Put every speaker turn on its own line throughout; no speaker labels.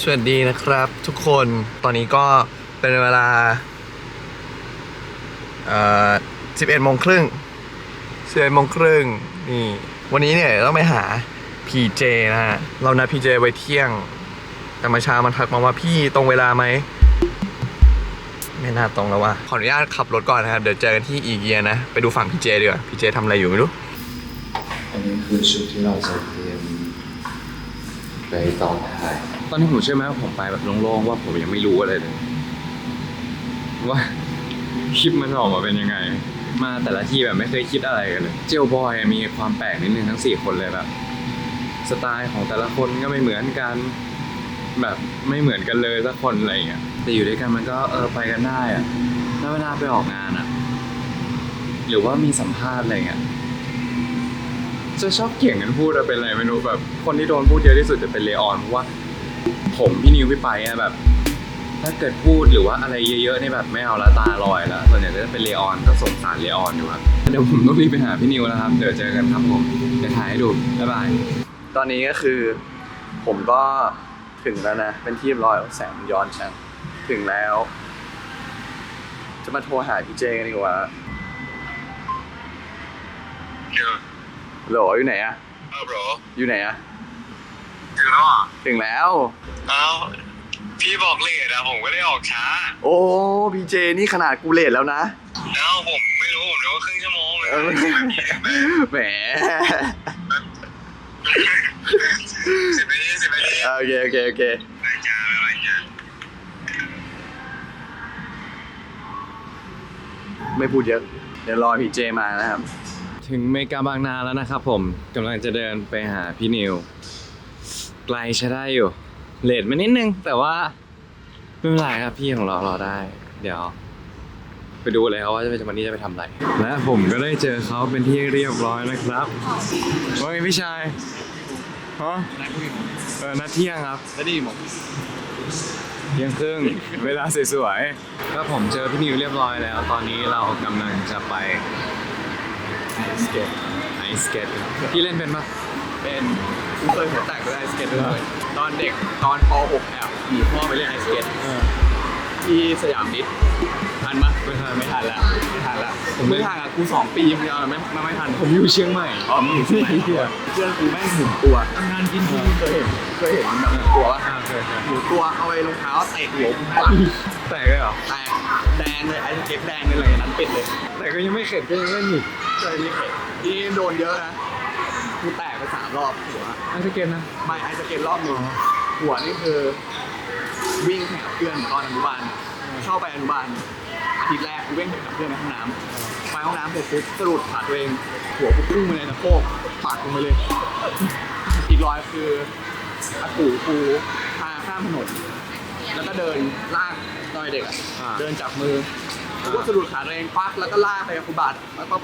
สวัสดีนะครับทุกคนตอนนี้ก็เป็นเวลา11 โมงครึ่งนี่วันนี้เนี่ยต้องไปหา PJ นะฮะเรานัด PJ ไว้เที่ยงแต่เมื่อเช้ามันทักมาว่าพี่ตรงเวลาไหมไม่น่าตรงแล้วว่ะขออนุญาตขับรถก่อนนะครับเดี๋ยวเจอกันที่อีเกียนะไปดูฝั่ง PJ ดีกว่า PJ ทำอะไรอยู่ไม่รู้
อันนี้คือชุดที่เราจะเตรียมไปตอนถ่าย
ตอนนี้ผมเชื่อไหมว่าผมไปแบบโล่งๆว่าผมยังไม่รู้อะไรเลยว่าคลิปมันออกมาเป็นยังไงมาแต่ละที่แบบไม่เคยคิดอะไรกันเลยเจลบอยมีความแปลกนิดนึงทั้ง4คนเลยแบบสไตล์ของแต่ละคนก็ไม่เหมือนกันแบบไม่เหมือนกันเลยสักคนอะไรอย่างเงี้ยแต่อยู่ด้วยกันมันก็ไปกันได้อะแล้วเวลาไปออกงานอะหรือว่ามีสัมภาษณ์อะไรเงี้ยจะชอบเก่งกันพูดเป็นอะไรไม่รู้แบบคนที่โดนพูดเยอะที่สุดจะเป็นเลออนเพราะว่าผมพี่นิวพี่ไปอะแบบถ้าเกิดพูดหรือว่าอะไรเยอะๆนี่แบบไม่เอาละตาลอยแล้วส่วนใหญ่จะเป็นเลออนก็สงสารเลออนอยู่ครับเดี๋ยวผมต้องรีบไปหาพี่นิวแล้วครับเดี๋ยวเจอกันครับผมเดี๋ยวถ่ายให้ดูบ๊ายบาย
ตอนนี้ก็คือผมก็ถึงแล้วนะเป็นที่เรียบร้อยแสงย้อนช่างถึงแล้วจะมาโทรหาพี่เจกันดีกว่าโหลอยู่ไหนอะ
บรอ
อยู่ไหนอะ
ถึงแล้วอ่ะ
ถึงแล้ว
พี่บอกเลทอะผมก็ได้ออกช้า
โอ้พี่เจนี่ขนาดกูเลทแล้วนะ
ผมไม่รู้ผมนึกว่าครึ่งชั่วโมง
แหม
10 นาที
โอเคไม่พูดเยอะเดี๋ยวรอพี่เจมานะครับ
ถึงเมกาบางนาแล้วนะครับผมกำลังจะเดินไปหาพี่นิวไกลใช้ได้อยู่เลทมานิดนึงแต่ว่าไม่เป็นไรครับพี่ของเรารอได้เดี๋ยวไปดูเลยครับว่าวันนี้จะไปทำอะไรและผมก็ได้เจอเขาเป็นที่เรียบร้อยนะครับว่าไงพี่ชายฮะนัดเที่ยงครับ
แล้วดีหมด
เที่ยงครึ่งเวลาสวยๆแล้วผมเจอพี่นิวเรียบร้อยแล้วตอนนี้เรากำลังจะไปไอสเก็ตพี่เล่นเป็นปะ
เป็นกูเคยหัวแตกด้วยไอสเก็ตด้วยตอนเด็กตอนป .6 แอบหนีพ่อไปเล่นไอสเก็ตที่สยามนิดทันปะไม่ทันแล้วผมไม่ทันอ่ะกู2 ปีมันยังไม่ทัน
ผมอยู่เชียงใหม่
มึงอยู่เชียงใหม่เพื่อนกูแม่งหมุนตัวทำงานกินเคยเห็นแบบตัวป่ะหมุนตัวเอาไอ้รองเท้าเตะหัวกูปัง
แตกเลยเหรอ
แตกแดงเลยไอสเก็ตแดงเลยอะไรนั้นปิดเลย
แต่ก็ยังไม่เข็ดก็ยังเล่นอยู่
เคยมีเข็ดที่โดนเยอะนะกูแตกไป3 รอบหัว
ไอสเก็ตนะ
ไม่ไอสเก็ตรอบนึงหัวนี่คือวิ่งแข่งกับเพื่อนตอนอนุบาลเข้าไปอนุบาลอาทิตย์แรกกูวิ่งแข่งกับเพื่อนในห้องน้ำไปห้องน้ำเสร็จปุ๊บสะดุดขาตัวเองหัวกูพุ่งไปเลยนะโคกปากลงไปเลยอีกรอยคืออากูพาข้ามถนนแล้วก็เดินลากตอนเด็กเดินจับมือกูก็สะดุดขาตัวเองปักแล้วก็ลากไปกับกูบาดปัก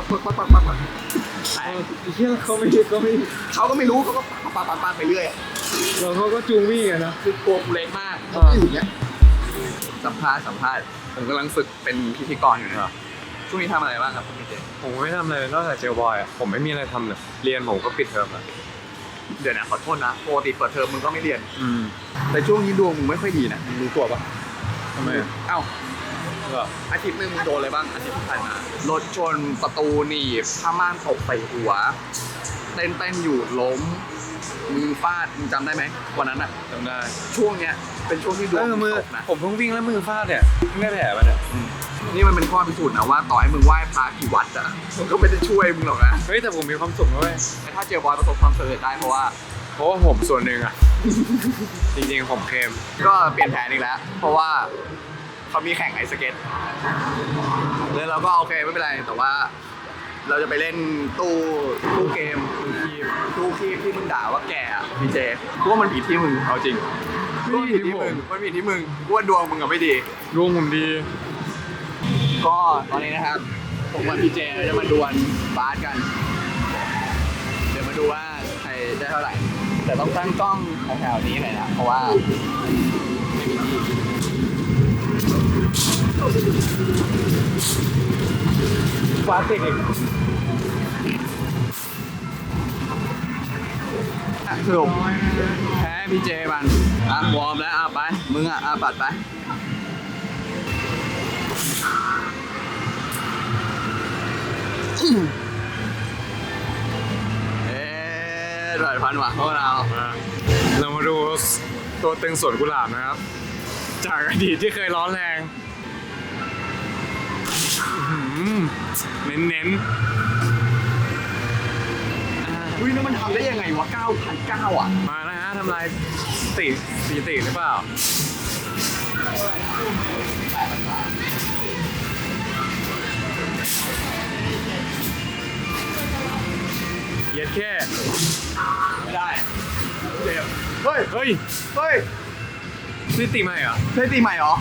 แต่เชื่อเขาไม่รู้
เขาก็ปักไปเรื่อย
แล้วเขาก็จูงวิ่งนะ
คือตัวกูเล็กมากอย่างเงี้ยสัมภาษณ์ผมกำลังฝึกเป็นพิธีกรอยู่นะครับช่วงนี้ทำอะไรบ้างครับพี่เจ
ผมไม่ทำอะไรนอกจากเจลบอยอ่ะผมไม่มีอะไรทำเลยเรียนผมก็ปิดเทอมอ่ะ
เดี๋ยวนะขอโทษนะปกติเปิดเทอมมึงก็ไม่เรียนแต่ช่วงนี้ดวงมึงไม่ค่อยดีนะมึงรู้ตัวปะ
ทำไม
เอ้าอาทิตย์นึงมึงโดนอะไรบ้างอาทิตย์ที่ผ่านมารถชนประตูหนีบผ้าม่านตกใส่หัวเต้นอยู่ล้มมือฟาดมึงจำได้ไหมวันนั้นอ่ะ
จำได้
ช่วงเนี้ยเป็นช่วงที่ดวงตกนะ
ผมเพิ่งวิ่งแล้วมือฟาดเนี่ยไม่ได้แผลมาเนี่ย
นี่มันเป็นข้อพิสูจน์นะว่าต่อให้มึงไหว้พระกี่วัดอ่ะมันก็ไม่ได้ช่วยมึงหรอกนะ
เฮ้ยแต่ผมมีความสุขนะเว้ย
ถ้าเจอบอยประสบความสำเร็จได้เพราะว่า
ผมส่วนหนึ่งอ่ะจริงๆผมเค็ม
ก็เปลี่ยนแผนอีกแล้วเพราะว่าเขามีแข่งไอสเก็ตแล้วเราก็โอเคไม่เป็นไรแต่ว่าเราจะไปเล่นตู้เกมตู้คีบที่มึงด่าว่าแก่อะพี่เจกูว่ามันผิดที่มึงเอาจริงมันผิดที่มึงกูว่าดวงมึงอะไม่ดี
ดวงผมดี
ก็ตอนนี้นะครับผมกับพี่เจจะมาดวลบาสกันเดี๋ยวมาดูว่าใครได้เท่าไหร่แต่ต้องตั้งกล้องแถวๆนี้หน่อยนะเพราะว่าไม่มีที่ฟาสติกสรุปแพ้พี่เจมันวอร์มแล้วไปมึงปัดไปร้อยพันว่ะพวกเรา
เรามาดูตัวตึงสวนกุหลาบนะครับ จากอดีตที่เคยร้อนแรงเน้น
อุ้ยแล้วมันทำได้ยังไงวะ 9,900 อ่ะ
ๆมานะฮะทำลายสถิติหรือเปล่าเย็ดแค่
ไม่ได้เจ็บเฮ้ย
เฮ้ย
เฮ้ย
สถิติใหม่เหรอ
ใช่ตีใหม่เหรอ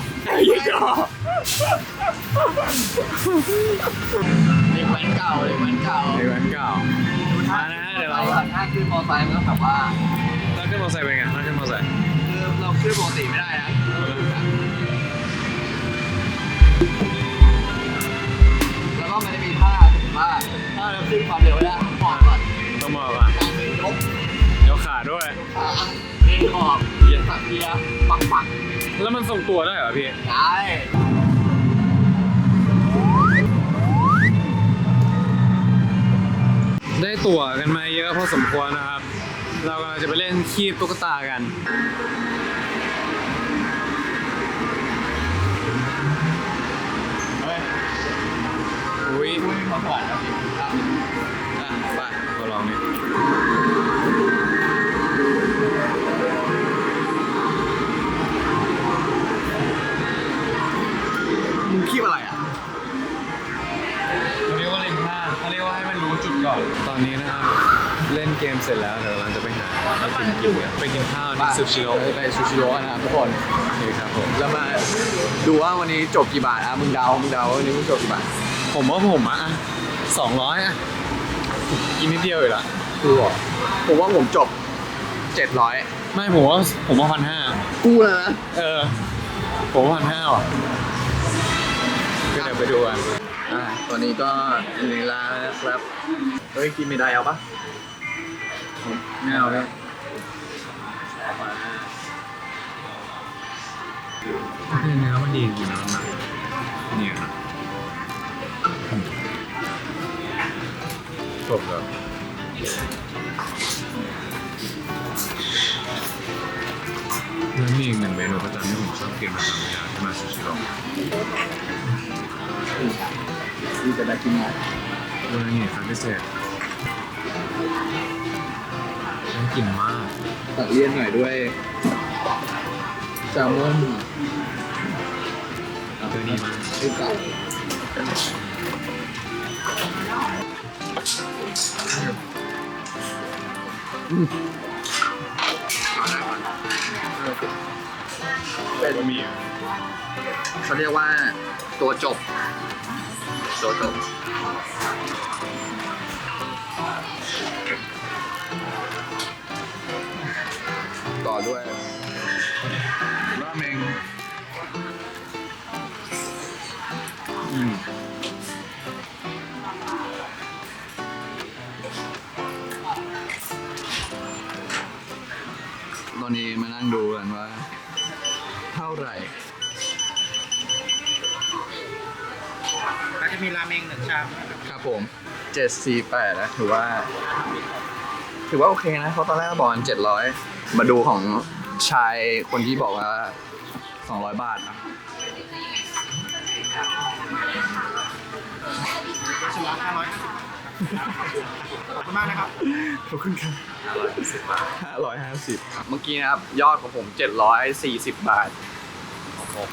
เด็กแว้นเก่าเด็กแว้นเก่า
ในวันเก่ามานะฮะเดี๋ยวเรา
ถ้าขึ้นมอไซค์มันต้องแบบว่า
ถ้าขึ้นมอเตอร์ไซค์เป็นไงถ้าขึ้นมอเตอร์ไซค์
คือเราขึ้นปกติไม่ได้นะแล้วก็มันจะมีท่าถือว่าถ้าเราขึ้นความเร็วได้ขอบก่อน
ต้องบอกว่า
ยก
ยกขาด้วย
ขาเด้งขอบเหยียดสักเทียปัก
แล้วมันทรงตัวได้เหรอพี่
ได้
ได้ตั๋วกันมาเยอะพอสมควรนะครับ เรากำลังจะไปเล่นคีบตุ๊กตากัน
เฮ้ย
อุ้ย
คุยมาก่อนนะพี่ไป
มาลองนี่
มึงคีบอะไรอ่ะ
เขาเรียกว่าเล่นท่าเขาเรียกว่าให้มันรู้จุดก่อน ตอนนี้นะครับ เล่นเกมเสร็จแล้วเดี๋ยวเราจะไปหาอะไรกินไปกินข้าวที่ซูชิโร่
ไปซูชิโร่นะครับทุกคน
โอเคครับผม
แล้วมาดูว่าวันนี้จบกี่บาทมึงเดาว่าวันนี้มึงจบกี่บาท
ผมว่าผมอ่ะ200อ่ะกินนิดเดียวอยู่ละ
กูเหรอผมว่าผมจบ 700
ไม่ผมว่า1,500
กูแล้วนะ
ผมว่า1,500ว่ะก็เดี๋ยวไปดูกัน
ตอนนี้ก็อยู่ในร้านนะครับเฮ้ยกินไม่ได้เอาปะ
ไม่เอาเลยเนื้อมันดีจริงๆนะเนี่ยนะจบแล้วแล้วมีอีกหนึ่งเมนูประจำที่ผมชอบกินประจำเวลาที่มาซูชิโร่
ดีจะได้กินไง
วันนี้ครั้งพิเศษน่ากินมาก
ตัดเลี่ยนหน่อยด้วยแซลมอน
ตัวนี้มาก
ชื่อเก่าเป็น
บะหมี่
เขาเรียกว่าตัวจบ ต่อด้วยราเมงตอนนี้มานั่งดูกันว่า เท่าไหร่
ก็จะมีราเมง1 ชามนะครับ
ครับผม 748นะถือว่าโอเคนะเพราะตอนแรกก็บอกกัน700 มาดูของชายคนที่บอกว่า 200 บาทนะ
ชามละ550 ขอบคุณมากนะครับ
ขอบคุณครับ550 เมื่อกี้นะครับ ยอดของผม 740 บาท
ของผม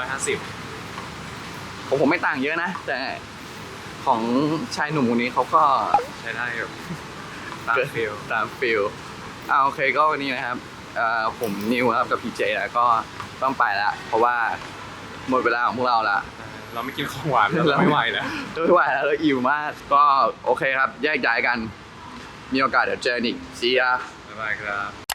550
ของผมไม่ต่างเยอะนะ แต่ของชายหนุ่มคนนี้เขาก็
ใช้ได้อยู่ตามฟิล
ตามฟิลโอเคก็วันนี้นะครับผมนิวครับกับพีเจแล้วก็ต้องไปละเพราะว่าหมดเวลาของพวกเราละ
เราไม่กินของหวานเราไม่ไหวแล้ว
ไม่ไหวแล้วเราอิ่วมาก ก็โอเคครับ แยกย้ายกัน มีโอกาสเดี๋ยวเจอกันอีก See ya
บ๊ายบายครับ